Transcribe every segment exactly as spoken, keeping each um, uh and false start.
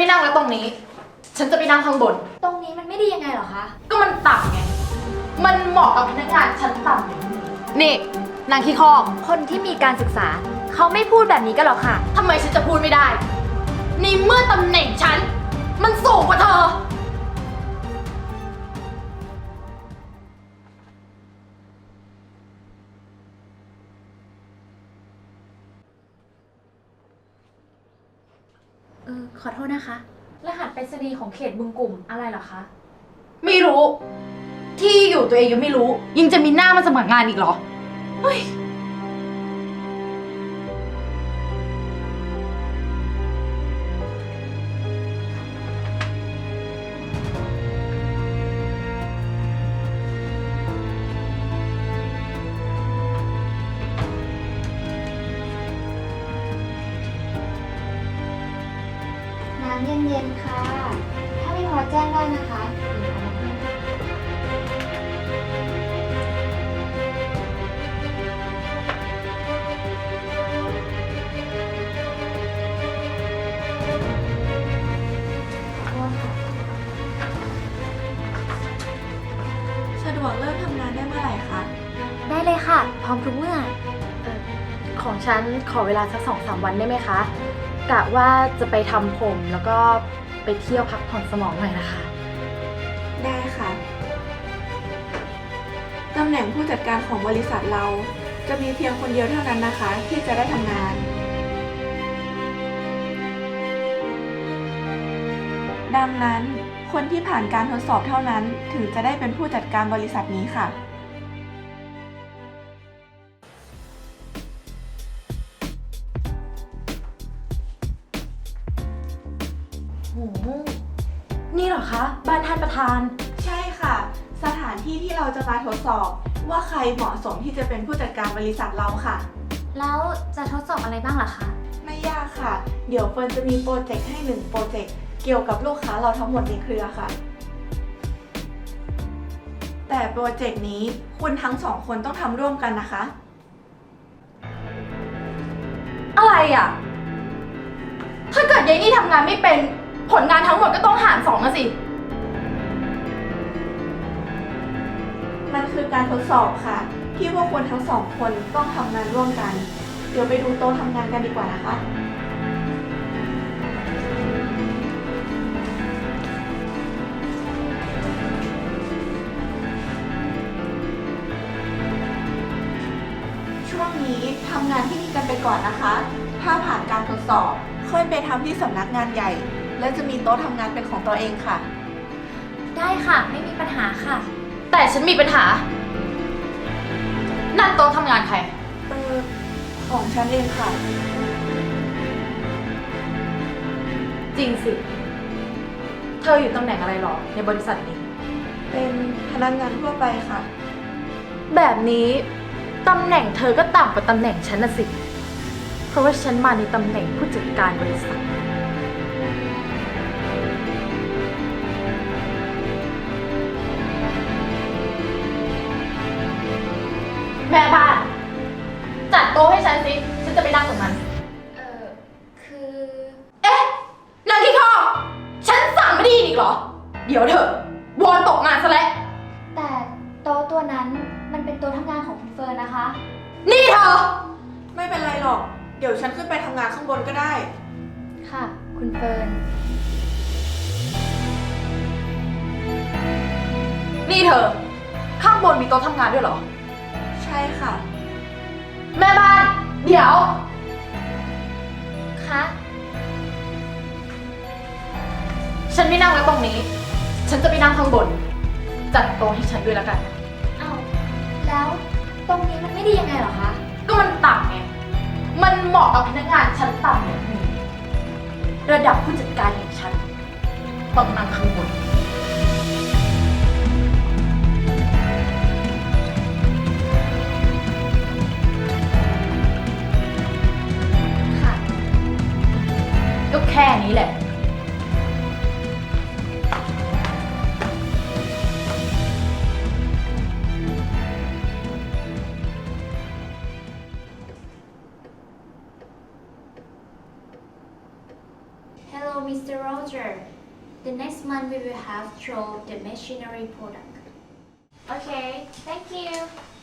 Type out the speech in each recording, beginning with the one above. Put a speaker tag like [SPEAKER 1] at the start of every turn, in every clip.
[SPEAKER 1] ไม่นั่งแล้วตรงนี้ ฉันจะไปนั่งข้างบน
[SPEAKER 2] ตรงนี้มันไม่ดียังไงเหรอคะ
[SPEAKER 1] ก็มันต่ำไง มันเหมาะกับพนักงานชั้นต่ำอย่างนี้นี่นางขี้คอก
[SPEAKER 2] คนที่มีการศึกษาเขาไม่พูดแบบนี้กันหรอกค่ะ
[SPEAKER 1] ทำไมฉันจะพูดไม่ได้ในเมื่อตำแหน่งฉัน มันสูงกว่าเธอ
[SPEAKER 2] เออขอโทษนะคะ รหัสไปรษณีย์ของเขตบึงกลุ่มอะไรเหรอคะ
[SPEAKER 1] ไม่รู้ ที่อยู่ตัวเองยังไม่รู้ ยังจะมีหน้ามาสมัครงานอีกเหรอเฮ้ย
[SPEAKER 2] น้ำเย็นๆค่ะ ถ้าไม่พอแจ้งได้นะคะ
[SPEAKER 3] สะดวกเริ่มทำงานได้เมื่อไหร่คะ
[SPEAKER 2] ได้เลยค่ะ พร้อมทุกเมื่อ
[SPEAKER 1] ของฉันขอเวลาสักสองสามวันได้ไหมคะ กะว่าจะไปทำผมแล้วก็ไปเที่ยวพักผ่อนสมองหน่อยนะคะ
[SPEAKER 3] ได้ค่ะ ตำแหน่งผู้จัดการของบริษัทเราจะมีเพียงคนเดียวเท่านั้นนะคะ ที่จะได้ทำงาน ดังนั้นคนที่ผ่านการทดสอบเท่านั้นถึงจะได้เป็นผู้จัดการบริษัทนี้ค่ะ
[SPEAKER 1] โอ้โหนี่เหรอคะ บ้านท่านประธาน
[SPEAKER 3] ใช่ค่ะ สถานที่ที่เราจะมาทดสอบว่าใครเหมาะสมที่จะเป็นผู้จัดการบริษัทเราค่ะ
[SPEAKER 2] แล้วจะทดสอบอะไรบ้างล่ะคะ
[SPEAKER 3] ไม่ยากค่ะ เดี๋ยวเฟิร์นจะมีโปรเจกต์ให้หนึ่งโปรเจกต์เกี่ยวกับลูกค้าเราทั้งหมดในเครือค่ะ แต่โปรเจกต์นี้คุณทั้งสองคนต้องทำร่วมกันนะคะ
[SPEAKER 1] อะไรอ่ะ ถ้าเกิดยายนี่ทำงานไม่เป็น ผลงานทั้งหมดก็ต้องหารสองนะสิ
[SPEAKER 3] มันคือการทดสอบค่ะ ที่พวกคุณทั้งสองคนต้องทำงานร่วมกัน เดี๋ยวไปดูโต๊ะทำงานกันดีกว่านะคะ ช่วงนี้ทำงานที่นี่กันไปก่อนนะคะ ถ้าผ่านการทดสอบค่อยไปทำที่สำนักงานใหญ่ และจะมีโต๊ะทำงานเป็นของตัวเองค่ะ
[SPEAKER 2] ได้ค่ะ ไม่มีปัญหาค่ะ
[SPEAKER 1] แต่ฉันมีปัญหา นั่นโต๊ะทำงานใคร
[SPEAKER 3] เออของฉันเองค่ะ
[SPEAKER 1] จริงสิ เธออยู่ตำแหน่งอะไรหรอในบริษัทนี้
[SPEAKER 3] เป็นพนักงานทั่วไปค่ะ
[SPEAKER 1] แบบนี้ตำแหน่งเธอก็ต่ำกว่าตำแหน่งฉันน่ะสิ เพราะว่าฉันมาในตำแหน่งผู้จัดการบริษัท แม่บ้าน จัดโต๊ะให้ฉันสิ ฉันจะไปนั่งตรงนั้น
[SPEAKER 2] เออคือ
[SPEAKER 1] เอ๊ะนางขี้ข้อฉันสั่งไม่ได้ยินอีกเหรอ เดี๋ยวเถอะวอนตกงานซะแล้ว
[SPEAKER 2] แต่โต๊ะตัวนั้นมันเป็นโต๊ะทำงานของคุณเฟิร์นนะคะ
[SPEAKER 1] นี่เธอ
[SPEAKER 3] ไม่เป็นไรหรอก เดี๋ยวฉันขึ้นไปทำงานข้างบนก็ได้
[SPEAKER 2] ค่ะ คุณเฟิร์น
[SPEAKER 1] นี่เธอ ข้างบนมีโต๊ะทำงานด้วยเหรอ
[SPEAKER 3] ใช่ค่ะ
[SPEAKER 1] แม่บ้าน เดี๋ยว
[SPEAKER 2] คะ
[SPEAKER 1] ฉันไม่นั่งแล้วตรงนี้ ฉันจะไปนั่งข้างบน จัดโต๊ะให้ฉันด้วยแล้วกัน
[SPEAKER 2] อ้าวแล้วตรงนี้มันไม่ดียังไงเหรอคะ
[SPEAKER 1] ก็มันต่ำไง มันเหมาะกับพนักงานชั้นต่ำอย่างนี้ระดับผู้จัดการอย่างฉันต้องนั่งข้างบน
[SPEAKER 2] ค่ะ
[SPEAKER 1] ก็แค่นี้แหละ
[SPEAKER 2] Hello Mister Roger. The next month we will have throw the machinery product. Okay, thank you.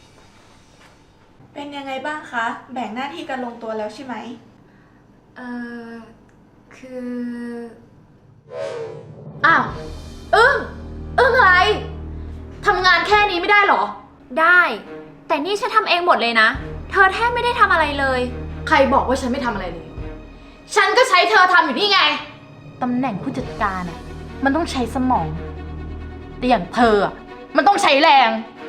[SPEAKER 3] เป็นยังไงบ้างคะ แบ่งหน้าที่กันลงตัวแล้วใช่ไหม
[SPEAKER 2] เอ่อ คือ
[SPEAKER 1] อ้าวอึ้งอึ้งอะไรทำงานแค่นี้ไม่ได้เหรอ
[SPEAKER 4] ได้ แต่นี่ฉันทำเองหมดเลยนะ เธอแทบไม่ได้ทำอะไรเลย
[SPEAKER 1] ใครบอกว่าฉันไม่ทำอะไรเลย ฉันก็ใช้เธอทำอยู่นี่ไง ตำแหน่งผู้จัดการอ่ะ มันต้องใช้สมอง แต่อย่างเธออ่ะ มันต้องใช้แรง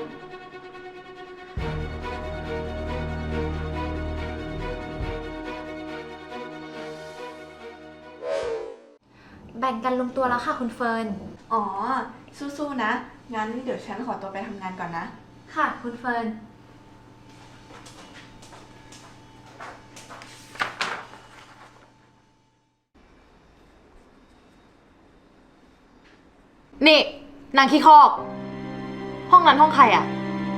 [SPEAKER 4] แบ่งกันลงตัวแล้วค่ะคุณเฟิร์น
[SPEAKER 3] อ๋อ สู้ๆนะ งั้นเดี๋ยวฉันขอตัวไปทำงานก่อนนะ
[SPEAKER 4] ค่ะคุณเฟิร์น
[SPEAKER 1] นี่นางขี้คอก ห้องนั้นห้องใครอ่ะ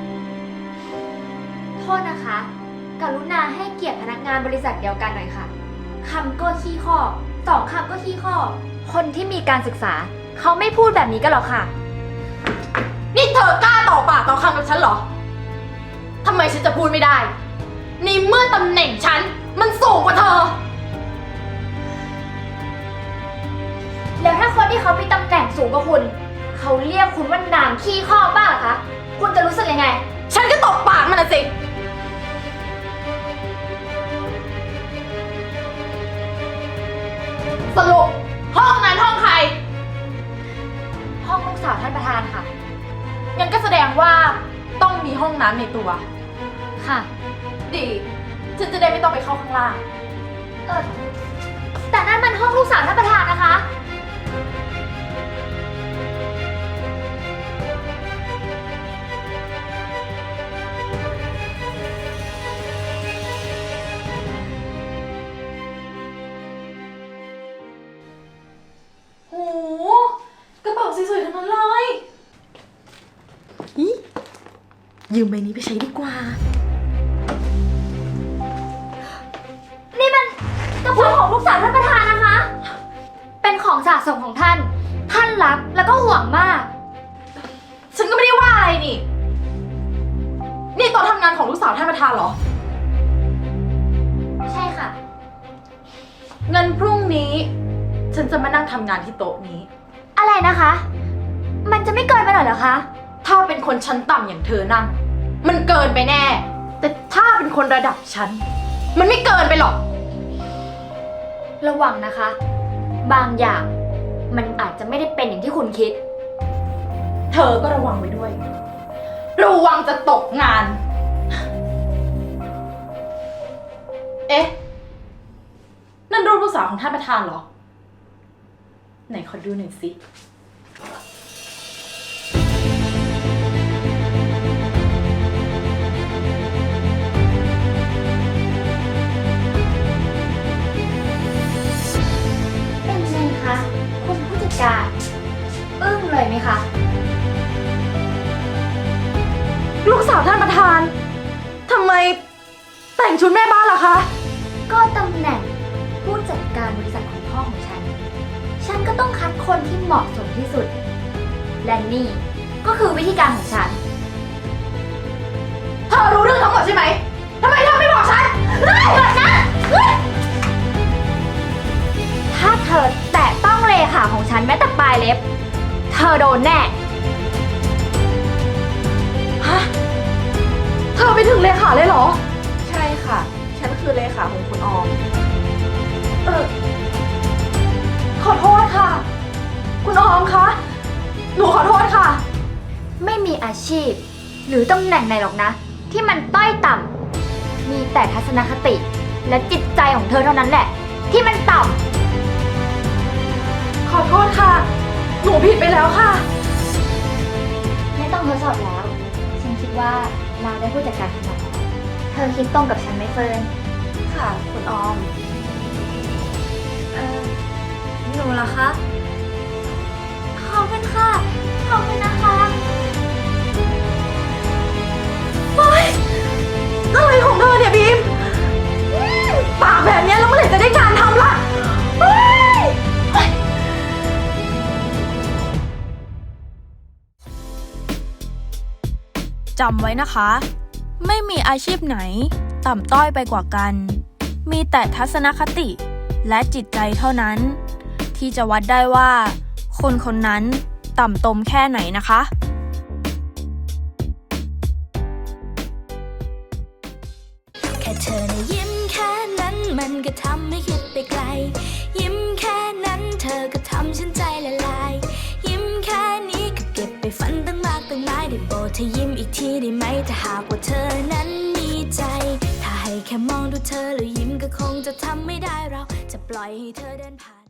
[SPEAKER 4] โทษนะคะ กรุณาให้เกียรติพนักงานบริษัทเดียวกันหน่อยค่ะ คำก็ขี้ข้อสองคำก็ขี้ข้อ คนที่มีการศึกษา เขาไม่พูดแบบนี้กันหรอกค่ะ
[SPEAKER 1] นี่เธอกล้าต่อปากต่อคำกับฉันเหรอ ทำไมฉันจะพูดไม่ได้ในเมื่อตำแหน่งฉัน มันสูงกว่าเธอ
[SPEAKER 4] แล้วถ้าคนที่เขามีตำแหน่งสูงกว่าคุณ เขาเรียกคุณว่านางขี้ข้อบ้างเหรอคะ คุณจะรู้สึกยังไง
[SPEAKER 1] ฉันก็ตบปากมันนะสิ สรุปห้องนั้นห้องใคร
[SPEAKER 4] ห้องลูกสาวท่านประธานค่ะ
[SPEAKER 1] งั้นก็แสดงว่าต้องมีห้องน้ำในตัว
[SPEAKER 4] ค่ะ
[SPEAKER 1] ดี ฉันจะได้ไม่ต้องไปเข้าข้างล่าง
[SPEAKER 4] เออแต่นั่นมันห้องลูกสาวท่านประธานนะคะ
[SPEAKER 1] โห กระเป๋าสวยๆทั้งนั้นเลยยืมใบนี้ไปใช้ดีกว่า
[SPEAKER 4] นี่มันกระเป๋าของลูกสาวท่านประธานนะคะ เป็นของสะสมของท่าน ท่านรักแล้วก็ห่วงมาก
[SPEAKER 1] ฉันก็ไม่ได้ว่าอะไรนี่ นี่โต๊ะทำงานของลูกสาวท่านประธานเหรอ
[SPEAKER 4] ใช่ค่ะ
[SPEAKER 1] เงินพรุ่งนี้ ฉันจะมานั่งทำงานที่โต๊ะนี้
[SPEAKER 4] อะไรนะคะ มันจะไม่เกินไปหน่อยเหรอคะ
[SPEAKER 1] ถ้าเป็นคนชั้นต่ำอย่างเธอนั่ง มันเกินไปแน่ แต่ถ้าเป็นคนระดับฉัน มันไม่เกินไปหรอก
[SPEAKER 4] ระวังนะคะ บางอย่าง มันอาจจะไม่ได้เป็นอย่างที่คุณคิด
[SPEAKER 1] เธอก็ระวังไว้ด้วย ระวังจะตกงาน เอ๊ะ นั่นรูปลูกสาวของท่านประธานเหรอ ไหนขอดูหน่อยสิ
[SPEAKER 4] เป็นไงคะ คุณผู้จัดการ อึ้งเลยไหมคะ
[SPEAKER 1] ลูกสาวท่านประธาน ทำไมแต่งชุดแม่บ้านล่ะคะ
[SPEAKER 4] ก็ตำแหน่งผู้จัดการบริษัทของพ่อของฉัน ฉันก็ต้องคัดคนที่เหมาะสมที่สุด และนี่ก็คือวิธีการของฉัน
[SPEAKER 1] เธอรู้เรื่องทั้งหมดใช่ไหม ทำไมเธอไม่บอกฉันเฮ้ยหยุดนะเฮ้ย
[SPEAKER 4] ถ้าเธอแตะต้องเลขาของฉันแม้แต่ปลายเล็บ เธอโดนแน่
[SPEAKER 1] ฮะ เธอไปถึงเลขาเลยเหรอ
[SPEAKER 3] ใช่ค่ะ ฉันคือเลขาของคุณออม
[SPEAKER 1] เออ ขอโทษค่ะ คุณออมคะ หนูขอโทษค่ะ
[SPEAKER 4] ไม่มีอาชีพ หรือตำแหน่งไหนหรอกนะ ที่มันต้อยต่ำ มีแต่ทัศนคติ และจิตใจของเธอเท่านั้นแหละ ที่มันต่ำ
[SPEAKER 1] ขอโทษค่ะ หนูผิดไปแล้วค่ะ
[SPEAKER 4] ไม่ต้องทดสอบแล้ว ฉันคิดว่าเราได้ผู้จัดการคนใหม่เธอคิดตรงกับฉันไหมเฟิร์น
[SPEAKER 3] ค่ะ คุณออม
[SPEAKER 4] เออหนูเหรอคะ ขอบคุณค่ะ ขอบคุณนะคะ
[SPEAKER 1] เฮ้ย อะไรของเธอเนี่ยบีมอืมปากแบบเนี้ยแล้วเมื่อไหร่จะได้งานทำล่ะเฮ้ยเฮ้ย
[SPEAKER 5] จำไว้นะคะ ไม่มีอาชีพไหนต่ำต้อยไปกว่ากัน มีแต่ทัศนคติและจิตใจเท่านั้น ที่จะวัดได้ว่า คนคนนั้นต่ำตมแค่ไหนนะคะ
[SPEAKER 6] แค่เธอนะยิ้มแค่นั้นมันก็ทำให้คิดไปไกล ยิ้มแค่นั้นเธอก็ทำฉันใจละลาย ยิ้มแค่นี้ก็เก็บไปฝันตั้งมากตั้งหลายได้โปรดเธอยิ้มอีกทีได้ไหมถ้าหากว่าเธอนั้นมีใจ ถ้าให้แค่มองดูเธอแล้วยิ้มก็คงจะทำไม่ได้เราจะปล่อยให้เธอเดินผ่าน